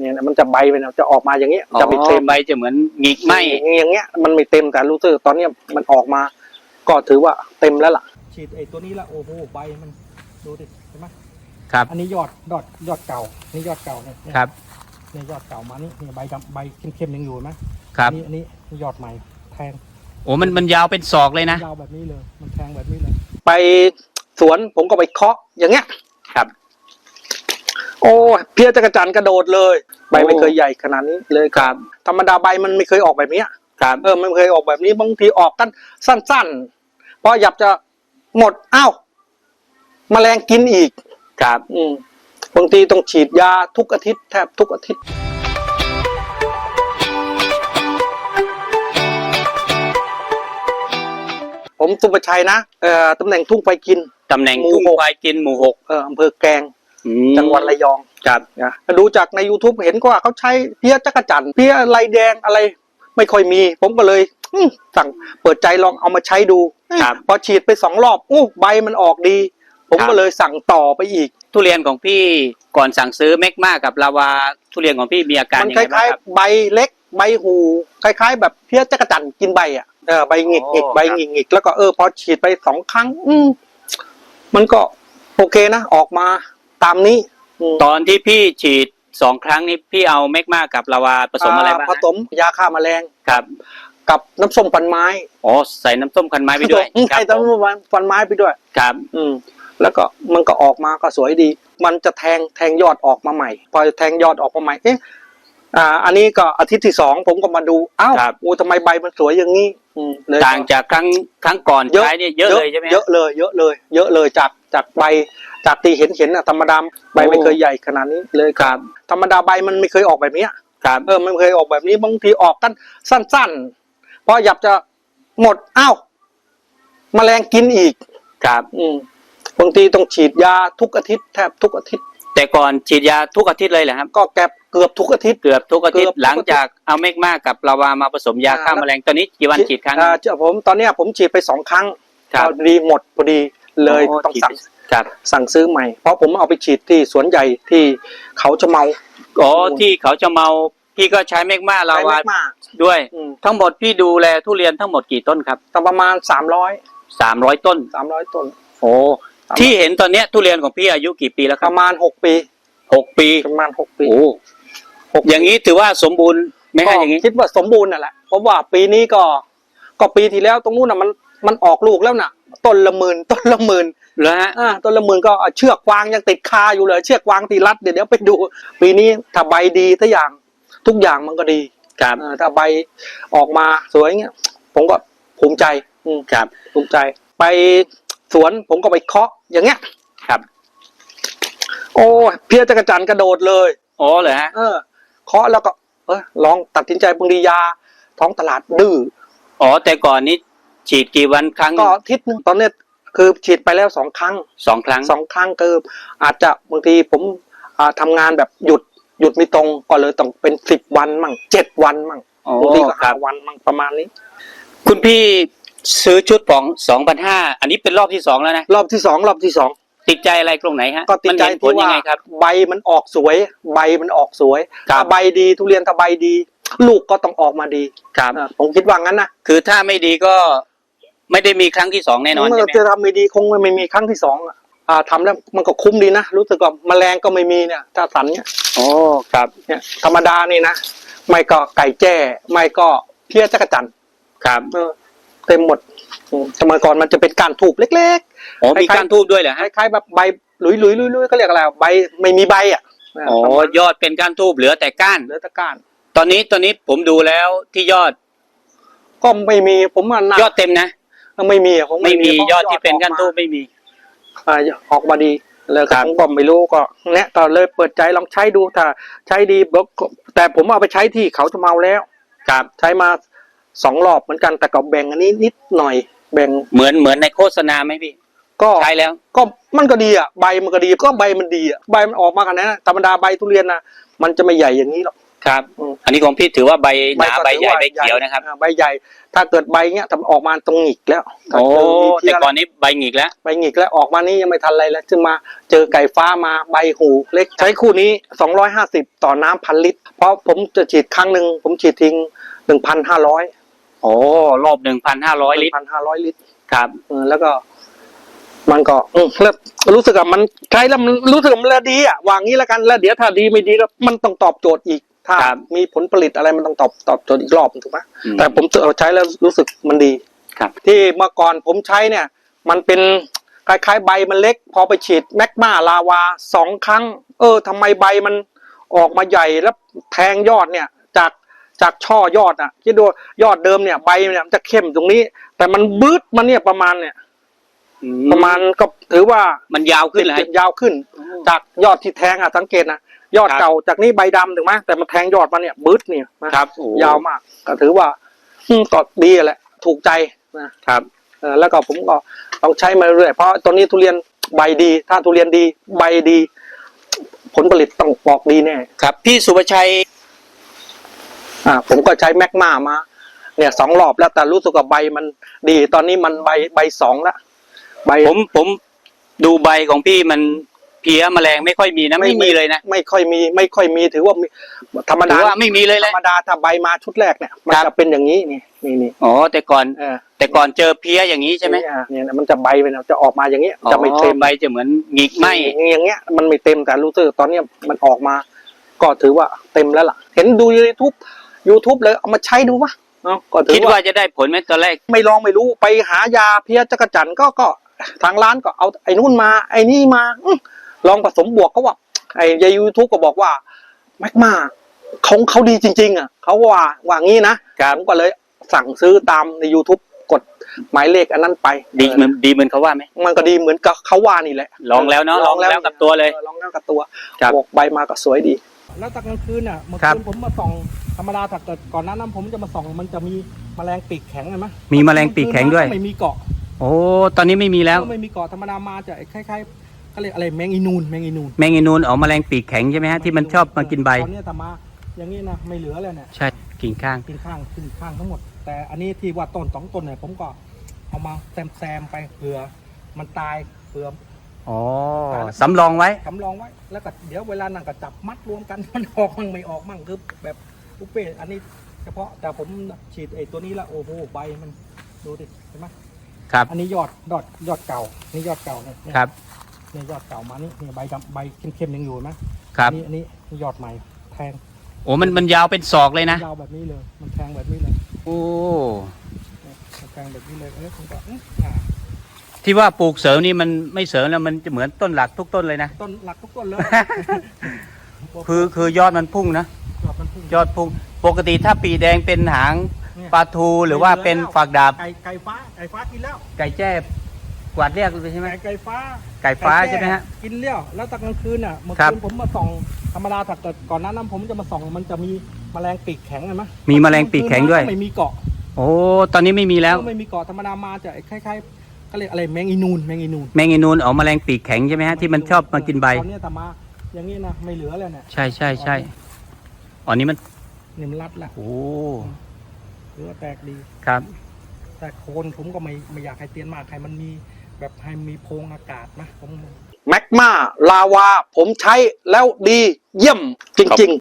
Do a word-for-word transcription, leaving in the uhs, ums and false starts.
เนี่ยมันจะใบไปนะจะออกมาอย่างเงี้ยจะไม่เต็มใบจะเหมือนหงิกไหมอย่างเงี้ยมันไม่เต็มแต่รู้สึกตอนนี้มันออกมาก็ถือว่าเต็มแล้วล่ะฉีดไอ้ตัวนี้ละโอ้โหใบมันดูดิเห็นไหมครับอันนี้ยอดยอดยอดเก่านี่ยอดเก่าเนี่ยครับนี่ยอดเก่ามานี่นี่ใบดำใบเข้มๆยังอยู่ไหมครับอันนี้ยอดใหม่แทงโอ้มันมันยาวเป็นศอกเลยนะยาวแบบนี้เลยมันแทงแบบนี้เลยไปสวนผมก็ไปเคาะอย่างเงี้ยครับโอ้เพี้ยจักรจันทร์กระโดดเลยใบไม่เคยใหญ่ขนาดนี้เลยครับธรรมดาใบมันไม่เคยออกแบบนี้ครับเออไม่เคยออกแบบนี้บางทีออกกันสั้นๆเพราะอยากจะหมดอ้าวแมลงกินอีกครับอืมบางทีต้องฉีดยาทุกอาทิตย์แทบทุกอาทิตย์ผมสุภชัยนะเอ่อตำแหน่งทุ่งไฟกินตำแหน่งทุ่งไฟกินหมู่หกเอออำเภอแกลงจังหวัดระยองครับนะดูจากใน YouTube เห็นว่าเขาใช้เพี้ยจักรจันทร์เพี้ยลายแดงอะไรไม่ค่อยมีผมก็เลยสั่งเปิดใจลองเอามาใช้ดูพอฉีดไปสองรอบอู้ใบมันออกดีผมก็เลยสั่งต่อไปอีกทุเรียนของพี่ก่อนสั่งซื้อเมกมากับลาวาทุเรียนของพี่มีอาการยังไงบ้างครับมันคล้ายๆใบเล็กใบหูคล้ายๆแบบเพี้ยจักรจันทร์กินใบอ่ะเออใบหงิกหงิกใบหงิกหงิกแล้วก็เออพอฉีดไปสองครั้งอืมมันก็โอเคนะออกมาตามนี้ตอนที่พี่ฉีดสองครั้งนี้พี่เอาเมกมากับลาวาผสมอะไรบ้างผสมยาฆ่าแมลงครับกับน้ำส้มฟันไม้อ๋อใส่น้ำส้มฟันไม้ไปด้วยใส่น้ำส้มฟันไม้ไปด้วยครับอืมแล้วก็มันก็ออกมาก็สวยดีมันจะแทงแทงยอดออกมาใหม่พอแทงยอดออกมาใหม่เอ๊ะอ่าอันนี้ก็อาทิตย์ที่สองผมก็มาดูอ้าวโอ้ทำไมใบมันสวยอย่างนี้ต่างจากครั้งครั้งก่อนใช้เนี่ยเยอะเลยใช่ไหมเยอะเลยเยอะเลยเยอะเลยจากจากใบจากตีเห็นเห็นอะธรรมดาใบไม่เคยใหญ่ขนาดนี้เลยครับธรรมดาใบมันไม่เคยออกแบบนี้ครับเออมันเคยออกแบบนี้บางทีออกกันสั้นๆเพราะอยากจะหมดอ้าวแมลงกินอีกครับอืมบางทีต้องฉีดยาทุกอาทิตย์แทบทุกอาทิตย์แต่ก่อนฉีดยาทุกอาทิตย์เลยเหรอครับก็แกเกือบทุกอาทิตย์เกือบทุกอาทิตย์หลังจากเอาเมกมากับลาวามาผสมยาฆ่าแมลงตอนนี้กี่วันฉีดครั้งอ่าเจ้าผมตอนนี้ผมฉีดไปสองครั้งพอดีหมดพอดีเลยต้องสั่งสั่งซื้อใหม่เพราะผมเอาไปฉีดที่สวนใหญ่ที่เขาจะเมาอ๋อที่เขาจะเมาพี่ก็ใช้เมกมาลาวาด้วยทั้งหมดพี่ดูแลทุเรียนทั้งหมดกี่ต้นครับประมาณสามร้อยสามร้อยต้นสามร้อยต้นโอ้ที่เห็นตอนนี้ทุเรียนของพี่อายุกี่ปีแล้วครับประมาณหกปีหกปีประมาณหกปีโอ้อย่างนี้ถือว่าสมบูรณ์ไหมฮะอย่างนี้คิดว่าสมบูรณ์นั่นแหละเพราะว่าปีนี้ก็ก็ปีที่แล้วตรงนู้นน่ะมันมันออกลูกแล้วน่ะต้นละหมื่นต้นละหมื่นเหรอฮะอ่าต้นละหมื่นก็เชือกวางยังติดคาอยู่เลยเชือกวางตีรัดเดี๋ยวเดี๋ยวไปดูปีนี้ถ้าใบดีทุกอย่างทุกอย่างมันก็ดีครับถ้าใบออกมาสวยเงี้ยผมก็ภูมิใจครับภูมิใจไปสวนผมก็ไปเคาะอย่างเงี้ยครับโอ้เพี้ยจักรจันทร์กระโดดเลยอ๋อเหรอฮะเออเคาะแล้วก็เออลองตัดสินใจบางทียาท้องตลาดดื้ออ๋อแต่ก่อนนี้ฉีดกี่วันครั้งก็อาทิตย์นึงตอนนี้คือฉีดไปแล้วสองครั้งสองครั้งสองครั้งคืออาจจะบางทีผมอ่าทำงานแบบหยุดหยุดไม่ตรงก็เลยต้องเป็นสิบวันมั่งเจ็ดวันมั่งบางทีก็ห้าวันมั่งประมาณนี้คุณพี่ซื้อชุดของสองพันห้าอันนี้เป็นรอบที่สองแล้วนะรอบที่สองรอบที่สองติดใจอะไรตรงไหนฮะก็ติดใจที่ว่าใบมันออกสวยใบมันออกสวยถ้าใบดีทุเรียนถ้าใบดีลูกก็ต้องออกมาดีครับผมคิดว่างั้นนะคือถ้าไม่ดีก็ไม่ได้มีครั้งที่สองแน่นอนใช่ไหมจะทำไม่ดีคงไม่มีครั้งที่สองอ่าทำแล้วมันก็คุ้มดีนะรู้สึกว่าแมลงก็ไม่มีเนี่ยถ้าสันเนี่ยโอ้ครับเนี่ยธรรมดานี่นะไม่ก็ไก่แจ้ไม่ก็เพี้ยจักรจันทร์ครับเต็มหมดสมัยก่อนมันจะเป็นก้านทูบเล็กๆอ๋อมีก้านทูบด้วยเหรอฮะคล้ายๆแบบใบหลุยๆลุยๆก็เรียกอะไรใบไม่มีใบอ่ะอ๋อยอดเป็นก้านทูบเหลือแต่ก้านเหลือแต่ก้านตอนนี้ตอนนี้ผมดูแล้วที่ยอดก็ไม่มีผมว่ายอดเต็มนะไม่มีผมไม่มียอดที่เป็นก้านทูบไม่มีอ่าออกมาดีเลยผมก็ไม่รู้ก็เนี่ยก็เลยเปิดใจลองใช้ดูถ้าใช้ดีแต่ผมเอาไปใช้ที่เขาจะเมาแล้วครับใช้มาสองรอบเหมือนกันแต่ก็แบ่งอันนี้นิดหน่อยแบ่งเหมือนเหมือนในโฆษณาไหมพี่ก็ใช้แล้วก็มันก็ดีอ่ะใบมันก็ดีก็ใบมันดีอ่ะใบมันออกมาขนาดนั้นธรรมดาใบทุเรียนนะมันจะไม่ใหญ่อย่างนี้หรอกครับอืมอันนี้ของพี่ถือว่าใบหนาก็ใบถือใหญ่ว่าใบเขียวนะครับอ่าใบใหญ่ ถ้าเกิดใบเงี้ยทำออกมาตรงหงิกแล้วถ้าโอ้เจมีเพี้แต่ยก่อนนี้ใบหงิกแล้วใบหงิกแล้วออกมานี่ยังไม่ทันอะไรแล้วจึงมาเจอไก่ฟ้ามาใบหูเล็กใช้คู่นี้สองร้อยห้าสิบต่อน้ำพันลิตรเพราะผมจะฉีดครั้งหนึ่งผมฉีดทิ้งหนึ่งพันห้าร้อยโอ้รอบหนึ่งพันห้าร้อยลิตรพันห้าร้อยลิตรครับเออแล้วก็ มันก็อืมแล้วรู้สึกว่ามันใช้แล้วมันรู้สึกว่ามันดีอ่ะวางงี้แล้วกันแล้วเดี๋ยวถ้าดีไม่ดีแล้วมันต้องตอบโจทย์อีกถ้าครับมีผลผลิตอะไรมันต้องตอบตอบโจทย์อีกรอบถูกไหมอืมแต่ผมใช้แล้วรู้สึกมันดีครับที่เมื่อก่อนผมใช้เนี่ย มันเป็นคล้ายๆใบมันเล็ก พอไปฉีดแมกมาลาวาสองครั้ง เออทำไมใบมันออกมาใหญ่แล้วแทงยอดเนี่ย จากจากช่อยอดอ่ะคิดดูยอดเดิมเนี่ยใบเนี่ยมันจะเข้มตรงนี้ แต่มันบืดมันเนี่ยประมาณเนี่ยอืประมาณก็ถือว่ามันยาวขึ้นเลยยาวขึ้น จากยอดที่แทงอ่ะสังเกตนะยอดครับเก่าจากนี้ใบดำถูกไหมแต่มันแทงยอดมาเนี่ยบืดเนี่ยนะครับโอ้ยาวมากก็ถือว่าอืมก็ดีแหละถูกใจนะครับ เออแล้วก็ผมก็ต้องใช้มาเรื่อยเพราะตอนนี้ทุเรียนใบดี ถ้าทุเรียนดีใบดี ผลผลิตต้องออกดีแน่ครับพี่สุภชัยอ่าผมก็ใช้แมกมามา เนี่ยสองรอบแล้วแต่รู้สึกว่าใบมันดี ตอนนี้มันใบใบสองแล้วใบผมผมดูใบของพี่มันเพี้ยแมลงไม่ค่อยมีนะไม่มีเลยนะไม่ค่อยมีไม่ค่อยมีถือว่ามีธรรมถืดาอว่าไม่มีเลยธเลรยรมดาถ้าใบมาชุดแรกเนี่ยมันครับจะเป็นอย่างนี้นี่นี่นี่อ๋อแต่ก่อนเออแต่ก่อนเจอเพี้ยอย่างนี้ใช่ไหมเนี่ยเนี่ยมันจะใบไปนะจะออกมาอย่างเงี้ยจะไม่เต็มอ๋อใบจะเหมือนหงิกไหมอย่างเงี้ยมันไม่เต็มแต่รู้สึกตอนเนี้ยมันออกมา ก็ถือว่าเต็มแล้วล่ะ เห็นดูยูทูบยูทูบเลยเอามาใช้ดูวะเนาะก็ถืคิดอว่าว่าจะได้ผลไหมตอนแรกไม่ลองไม่รู้ไปหายาเพี้ยจักรจันทร์ก็ก็ทางร้านก็เอาไอ้นู่นมา ไอ้นี่มาอื้อลองผสมบวกก็ว่า ไอ้ยยูทูบก็บอกว่าแมกมาเขาเขาดีจริง ๆ อ่ะเขาว่าว่างี้นะผมก็เลยสั่งซื้อตามใน YouTube กดหมายเลขอันนั้นไปดีเหมือนดีเหมือนเขาว่าไหมมันก็ดีเหมือนกับเขาว่านี่แหละลองแล้วเนาะลองแล้วกับตัวเลยออลองแล้วกับตัวครับบอกใบมาก็สวยดีแล้วตอนกลางคืนอ่ะเมื่อครัคืบนผมมาส่องธรรมดาถ้าเกิดก่อนหน้านั้นผมจะมาส่องมันจะมีแมลงปีกแข็งเห็นไหมมีแมลงปีกแข็งด้วยไม่มีเกาะโอ้ตอนนี้ไม่มีแล้วไม่มีเกาะธรรมดามาจะคล้ายๆเขาเรียกอะไรแมงอีนูนแมงอีนูนแมงอีนูนออกแมลงปีกแข็งใช่ไหมฮะที่มันชอบมากินใบตอนเนี้ยแต่มาอย่างนี้นะไม่เหลือเลยเนี่ยใช่กิ่งข้างกินข้างขึ้นข้างทั้งหมด แต่อันนี้ที่ว่าต้นสองต้นเนี่ยผมก็เอามาแซมแซมๆไปเผื่อมันตายเผื่ออ๋อสำรองไว้สำรองไว้แล้วก็เดี๋ยวเวลานั่งก็จับมัดรวมกัน มันออกมั่งไม่ออกมั่งคือแบบอุเป้อันนี้เฉพาะแต่ผมฉีดไอ้ตัวนี้ละโอ้โหใบมันดูดิเห็นไหมครับอันนี้ยอดยอดยอดเก่านี่ยอดเก่าเนี่ยเนี่ยครับเนี่ยยอดเก่ามานี่เนี่ยใบดำใบเข้มๆยังอยู่เห็นไหมครับอันนี้อันนี้นี่ยอดใหม่แทงโอ้มันมันยาวเป็นศอกเลยนะยาวแบบนี้เลย มันแทงแบบนี้เลยโอ้เนี่ยมันแทงแบบนี้เลยเออผมก็อื้ออ่าที่ว่าปลูกเสริมนี่มันไม่เสริมแล้วมันจะเหมือนต้นหลักทุกต้นเลยนะต้นหลักทุกต้นเลยคือคือยอดมันพุ่งนะยอดมันพุ่งยอดพุ่งปกติถ้าปีแดงเป็นหางเนี่ยปลาทูหรือว่าเป็นฝักดาบไก่ไก่ฟ้าไก่ฟ้ากินแล้วไก่แจ้กวาดเรียกเลยใช่ไหมไก่ไก่ฟ้าไก่ฟ้าแจ้ใช่ไหมฮะกินเลี้ยวแล้วตอนกลางคืนอ่ะเมื่อครัคืบนผมมาส่องธรรมดาถ้าเกิดก่อนหน้านั้นผมจะมาส่องมันจะมีแมลงปีกแข็งเห็นไหมมีแมลงปีกแข็งด้วยไม่มีเกาะโอ้ตอนนี้ไม่มีแล้วไม่มีเกาะธรรมดามาจะคล้ายๆเขาเรียกอะไรแมงอีนูนแมงอีนูนแมงอีนูนออกแมลงปีกแข็งใช่ไหมฮะที่มันชอบมากินใบตอนเนี้ยแต่มาอย่างนี้นะไม่เหลือเลยเนี่ยใช่ใช่ใช่อ๋อนี่มันเนี่ยมันรัดละโอ้หรือว่าแตกดีครับแต่โคนผมก็ไม่ไม่อยากให้เตียนมากให้มันมีแบบให้มีโพรงอากาศนะผมแมกมาลาวาผมใช้แล้วดีเยี่ยมจริง ๆ